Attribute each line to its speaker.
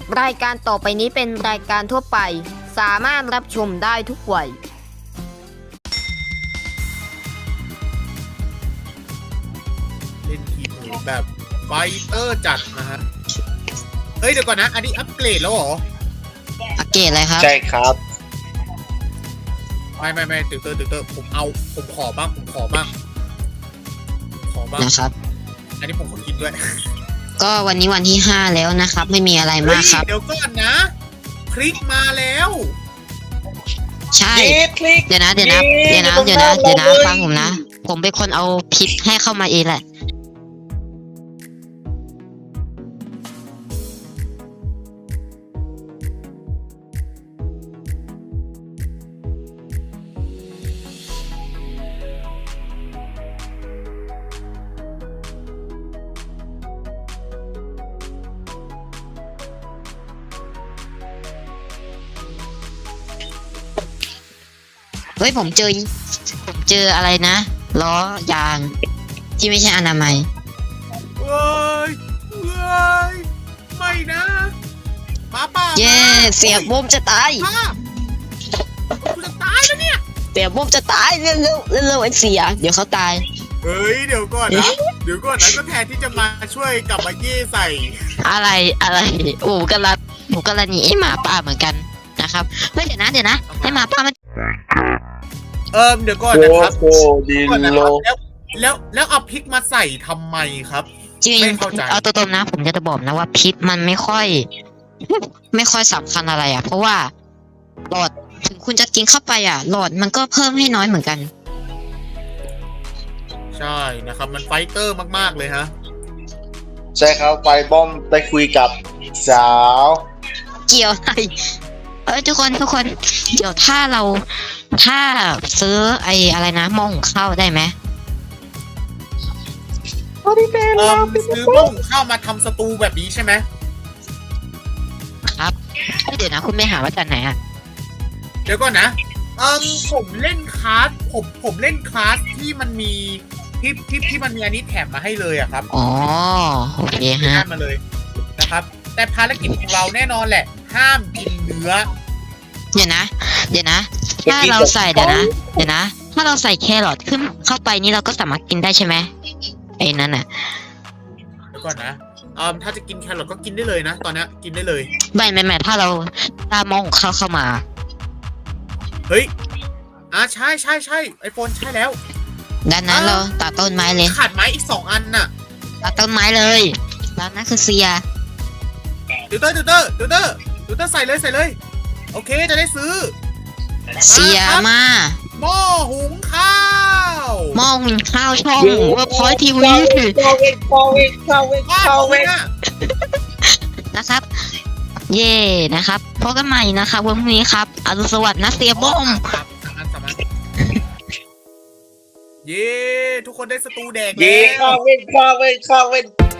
Speaker 1: รายการต่อไปนี้เป็นรายการทั่วไปสามารถรับชมได้ทุกวัย
Speaker 2: เล่นทีมแบบไฟเตอร์จัดนะฮะเฮ้ยเดี๋ยวก่อนนะอันนี้อัปเกรดแล้วเหรอ
Speaker 3: อัปเกรดอะไรครับ
Speaker 4: ใช่ครับ
Speaker 2: ไม่ติวเตอร์ผมขอบ้าง
Speaker 3: นะครับ
Speaker 2: อันนี้ผมขอกินด้วย
Speaker 3: ก็วันนี้วันที่5แล้วนะครับไม่มีอะไรมากครับ
Speaker 2: เดี๋ยวก่อนนะพริกมาแล้ว
Speaker 3: ใช่
Speaker 4: คลิก
Speaker 3: เดี๋ยวนะฟังผมนะผมเป็นคนเอาพิษให้เข้ามาเองแหละเฮ้ยผมเจออะไรนะล้อยางที่ไม่ใช่อนามัย
Speaker 2: เว้ยไม่นะหมาป่า
Speaker 3: เย้เสียบุ้มจะตาย
Speaker 2: ป้ากูจะตายแล้วเนี่ย
Speaker 3: เสียบุ้มจะตายเร็วไอ้เสียเดี๋ยวเขาตาย
Speaker 2: เฮ้ยเดี๋ยวก่อนนะก็แทนที่จะมาช่วยกลับมาเย่ใส่
Speaker 3: อะไรโอ้กำลังหนีไอ้หมาป่าเหมือนกันนะครับเฮ้ยเดี๋ยวนะให้หมาป่ามัน
Speaker 2: เดี๋ยวก่อนนะครับ
Speaker 4: โอ้ดี
Speaker 2: ก่อนนะ
Speaker 4: โล
Speaker 2: ครับแล้วเอาพริกมาใส่ทำไมครับ
Speaker 3: จริง
Speaker 2: ไม่เข้าใจ
Speaker 3: เอาตัวตรงนะผมจะบอกนะว่าพิษมันไม่ค่อยสำคัญอะไรอ่ะเพราะว่าหลอดถึงคุณจะกินเข้าไปอ่ะหลอดมันก็เพิ่มให้น้อยเหมือนกัน
Speaker 2: ใช่นะครับมันไฟเตอร์มากๆเลยฮะ
Speaker 4: ใช่ครับไฟบอมได้คุยกับสาว
Speaker 3: เกี่ยวอะไรทุกคนเดี๋ยวถ้าซื้อไอ้อะไรนะหม้อหุงข้าวได้ไหม
Speaker 2: ซื้อหม้อหุงข้าวมาทำสตูแบบนี้ใช่ไหม
Speaker 3: ครับเดี๋ยวนะคุณไม่หาว่าจากไหนอ่ะ
Speaker 2: เดี๋ยวก่อนนะผมเล่นคลาสผมเล่นคลาสที่มันมีที่มันมีอันนี้แถมมาให้เลยอะครับ
Speaker 3: อ๋อโอเคฮะ
Speaker 2: ห้ามมาเลยนะครับ แต่ภารกิจของเราแน่นอนแหละ ห้ามกินเนื้อ
Speaker 3: เดี๋ยวนะถ้าเราใส่ถ้าเราใส่แครอทขึ้นเข้าไปนี่เราก็สามารถกินได้ใช่ไหมไอ้นั่นน่ะ
Speaker 2: เดี๋ยวก่อนนะถ้าจะกินแครอทก็กินได้เลยนะ ตอนนี้กินได้เลย
Speaker 3: ไม่ถ้าเราตามองเข้ามา
Speaker 2: เฮ้ยใช่ไอโฟนใช่แล้ว
Speaker 3: ด้านนั้นเราตัดต้นไม้เลย
Speaker 2: ขาดไม้อีก2 อันน่ะ
Speaker 3: ตัดต้นไม้เลยด้านนั้นคือเสีย
Speaker 2: ติวเตอร์ใส่เลย โอเคจะได้ซื้อ
Speaker 3: เสียมา
Speaker 2: หม้อหุงข้าว
Speaker 3: หม้อหุงข้าวช่องเว็บพอยทีวี
Speaker 2: ว้าวเนี่ย
Speaker 3: นะครับ เย่นะครับพบกันใหม่นะครับวันพรุ่งนี้ครับอรุณสวัสดิ์นะเสียบอม
Speaker 2: สามอันเย้ทุกคนได้สตูแดก
Speaker 4: เย่
Speaker 2: แล้ว
Speaker 4: ข้าวเว้น